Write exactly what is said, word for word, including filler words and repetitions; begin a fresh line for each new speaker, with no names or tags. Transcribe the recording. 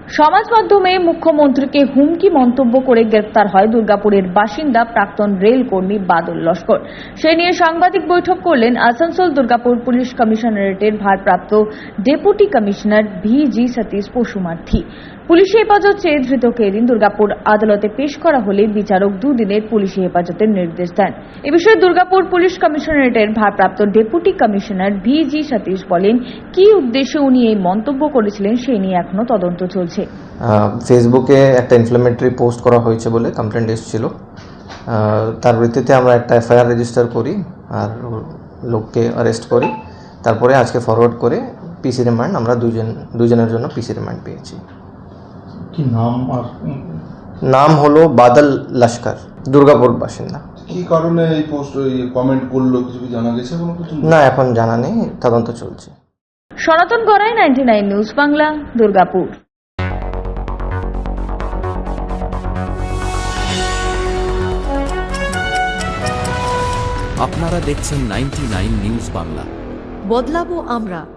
সমাজ মাধ্যমে মুখ্যমন্ত্রীকে হুমকি মন্তব্য করে গ্রেফতার হয় দুর্গাপুরের বাসিন্দা প্রাক্তন রেল কর্মী বাদল লস্কর। সে নিয়ে সাংবাদিক বৈঠক করলেন আসানসোল দুর্গাপুর পুলিশ কমিশনারেটের ভারপ্রাপ্ত deputy commissioner V G Satish Pasumarthi. পুলিশি হেফাজত চেয়ে ধৃতকে এদিন দুর্গাপুর আদালতে পেশ করা হলে বিচারক দুদিনের পুলিশি হেফাজতের নির্দেশ দেন। এ বিষয়ে দুর্গাপুর পুলিশ কমিশনারেটের ভারপ্রাপ্ত deputy commissioner V G Satish বলেন, কি উদ্দেশ্যে উনি এই মন্তব্য করেছিলেন সে নিয়ে এখনো তদন্ত চলছে।
ফেসবুকে একটা ইনফ্লামেটরি পোস্ট করা হয়েছে বলে কমপ্লেন্ট এসেছিল, তার ভিত্তিতে আমরা একটা এফআইআর রেজিস্টার করি আর লোককে অ্যারেস্ট করি। তারপরে আজকে ফরওয়ার্ড করে পিসি রিমান্ড আমরা দুজন দুজনের জন্য পিসি রিমান্ড পেয়েছি।
কি নাম? আর
নাম হলো বাদল লস্কর, দুর্গাপুর বাসিন্দা।
কি কারণে এই পোস্ট কমেন্ট করলো কিছু কি জানা গেছে? কোনো কিছু
না, এখন জানা নেই, তদন্ত চলছে।
Sanatan Garai, ninety nine news Bangla, Durgapur.
আপনারা দেখছেন নাইনটি নাইন নিউজ বাংলা।
বদলাবো আমরা।